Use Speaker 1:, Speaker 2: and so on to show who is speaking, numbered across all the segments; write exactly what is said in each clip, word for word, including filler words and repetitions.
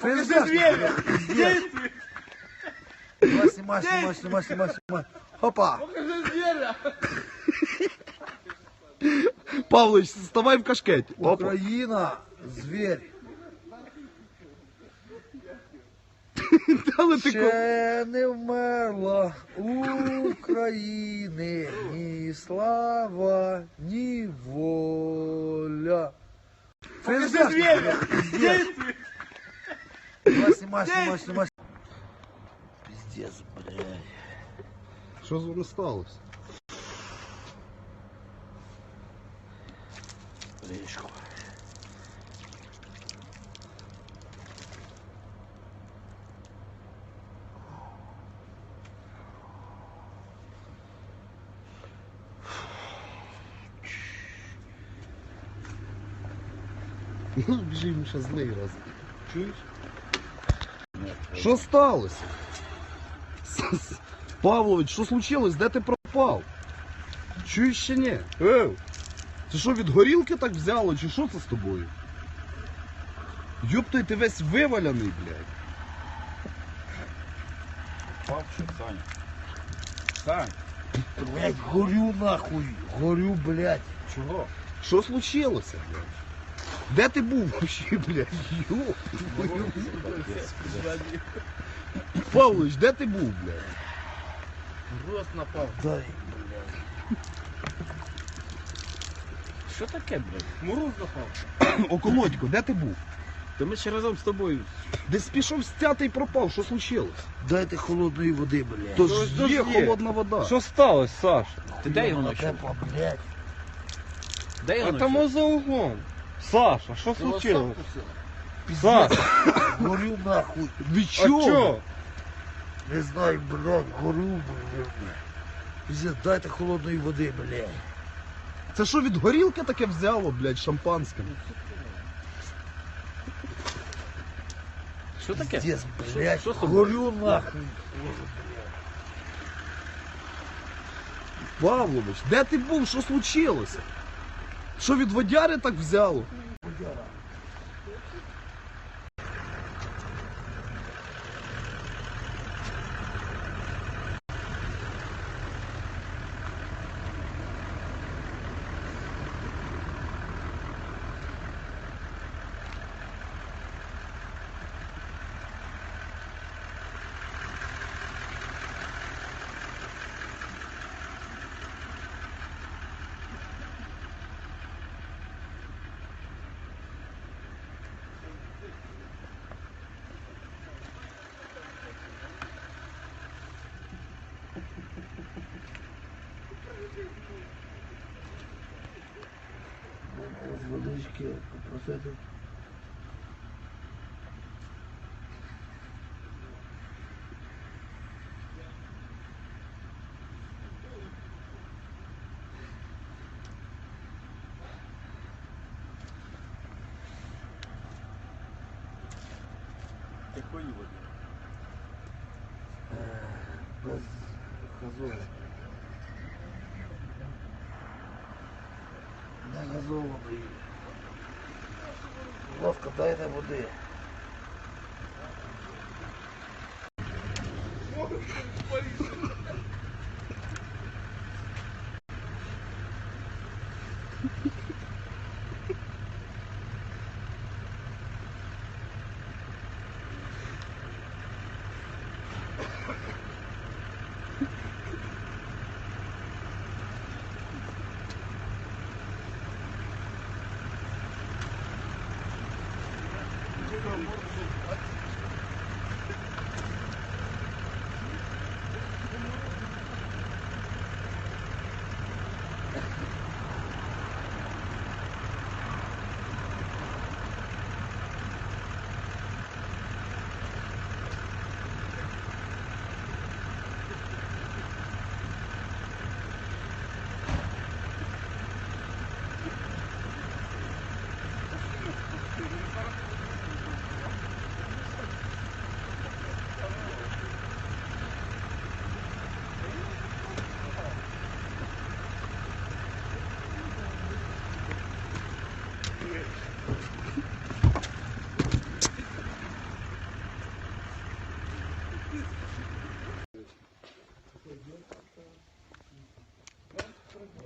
Speaker 1: Покажи зверя! Снимай, снимай, снимай, снимай, снимай, снимай. Опа!
Speaker 2: Покажи зверя!
Speaker 3: Павлович, вставай в кашкеті. Опа.
Speaker 1: Україна, зверь.
Speaker 3: Дали ти ко-
Speaker 1: Ще не вмерла України ні слава, ні воля.
Speaker 2: Покажи зверя!
Speaker 1: Снимай, снимай, снимай, снимай. Пиздец, блядь.
Speaker 3: Що з вами сталося?
Speaker 1: Речку.
Speaker 3: Ну, біжимо ще злий раз. Чуєш? Що сталося? С- Павлович, що случилось? Де ти пропав? Чуєш ще ні? Ев! Це що, від горілки так взяло, чи що це з тобою? Йоптой, ти весь виваляний, блядь.
Speaker 2: Павчик, Саня. Сань,
Speaker 1: Блядь, горю нахуй, горю, блядь.
Speaker 2: чого?
Speaker 3: Що случилося, блядь? Де ти був вообще, блядь? Йоп. Павлович, де ти був, блядь?
Speaker 2: Рост напав.
Speaker 1: Дай, блядь.
Speaker 2: Що таке, блядь? Мороз напав.
Speaker 3: Околодько, де ти був?
Speaker 2: Та ми ще разом з тобою.
Speaker 3: Десь пішов стятий пропав, що случилось?
Speaker 1: Дайте холодної води, блядь.
Speaker 3: То
Speaker 2: Що
Speaker 3: ж
Speaker 2: ж
Speaker 3: є
Speaker 2: є?
Speaker 3: холодна вода.
Speaker 2: Що сталося, Саш? Ти де його
Speaker 1: Вона
Speaker 2: знайшов?
Speaker 1: тепла, блядь.
Speaker 2: Де його
Speaker 4: А там
Speaker 2: знайшов?
Speaker 4: за углом. Саша, що
Speaker 2: Ти його
Speaker 4: случилось?
Speaker 2: сам кусив?
Speaker 4: Саш,
Speaker 1: Горю нахуй.
Speaker 3: Від
Speaker 4: а
Speaker 3: чого?
Speaker 4: чо?
Speaker 1: Не знаю, блядь, горю, блядь. Пиздец, дайте холодної води, блядь.
Speaker 3: Це що, від горілки таке взяло, блядь, шампанським?
Speaker 2: Що таке?
Speaker 1: Пиздец, блядь,
Speaker 2: Що з тобою?
Speaker 1: горю нахуй.
Speaker 3: Павлович, де ти був? Що случилося? Що від водяри так взяло?
Speaker 1: З водички попросити.
Speaker 2: Якої води?
Speaker 1: Без газовки. Не газованої. Будь ласка, дайте води.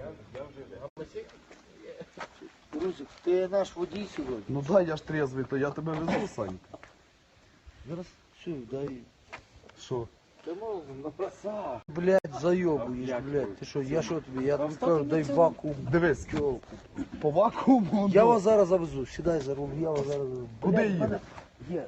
Speaker 1: Русик, ти наш водій сьогодні.
Speaker 3: Ну да, я ж трезвий, то я тебе везу, Санька.
Speaker 1: Зараз все, дай.
Speaker 3: Що?
Speaker 2: Ти можна, ну краса.
Speaker 1: Блядь, зайобуєш, блядь. Ти що, я що тобі? Я тобі кажу, дай вакуум.
Speaker 3: Дивись,
Speaker 1: Тьолку.
Speaker 3: по вакууму.
Speaker 1: Я
Speaker 3: ну,
Speaker 1: вас зараз завезу. Сідай за руль, я вас зараз завезу.
Speaker 3: Куди
Speaker 1: Блядь, в
Speaker 3: їдеш?
Speaker 1: мене Є